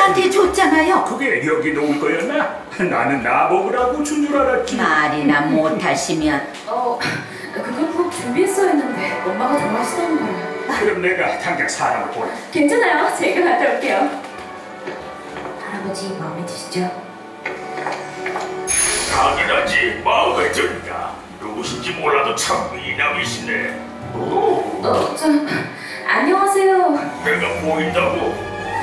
저한테 줬잖아요. 그게 여기 놓을 거였나? 나는 나 먹으라고 준 줄 알았지. 말이나 못하시면. 그걸 꼭 준비했어야 했는데 엄마가 좋아하시다는 거예요. 그럼 내가 당장 사람을 보내. 괜찮아요. 제가 갔다 올게요. 할아버지 마음에 드시죠? 당연하지. 마음에 든다. 누구신지 몰라도 참 미남이시네. 오, 안녕하세요. 내가 보인다고?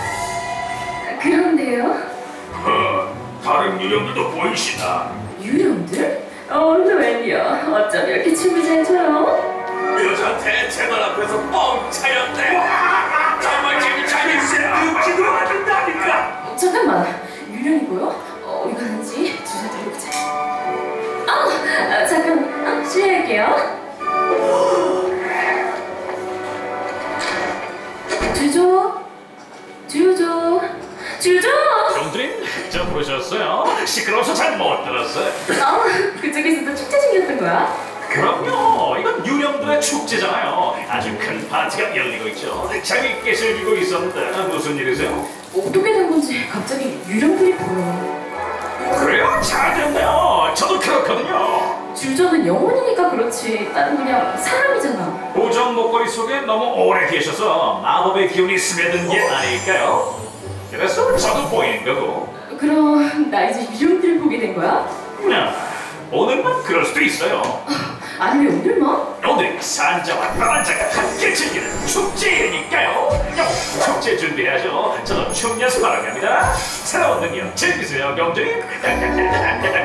그런데요? 다른 유령들도 보이시나? 유령들? 웬요? 어쩜 이렇게 춤을 잘 춰요? 여자 대체들 앞에서 뻥 차였대. 정말 재밌어요. 늙지도 않는다니까. 잠깐만. 유령이고요? 어디 가는지 주사 돌려보자. 잠깐. 실례할게요. 주조! 형들님, 저 부르셨어요? 시끄러워서 잘 못 들었어요. 그쪽에서도 축제 생겼던 거야? 그럼요, 이건 유령들의 축제잖아요. 아주 큰 파티가 열리고 있죠. 재밌게 즐기고 있었는데 무슨 일이세요? 어떻게 된 건지 갑자기 유령들이 보여. 그래요? 잘 됐네요. 저도 그렇거든요. 주저는 영혼이니까 그렇지. 나는 그냥 사람이잖아. 보정 목걸이 속에 너무 오래 계셔서 마법의 기운이 스며든 게 아닐까요? 그래서 저도 보이는 거고. 그럼 나 이제 유령들을 보게 된 거야? 오늘만 그럴 수도 있어요. 아니 왜 오늘만? 오늘 산자와 파란자가 함께 즐기는 축제니까요. 축제 준비해야죠. 저도 춤 연습하러 갑니다. 새로운 능력 즐기세요, 경주님.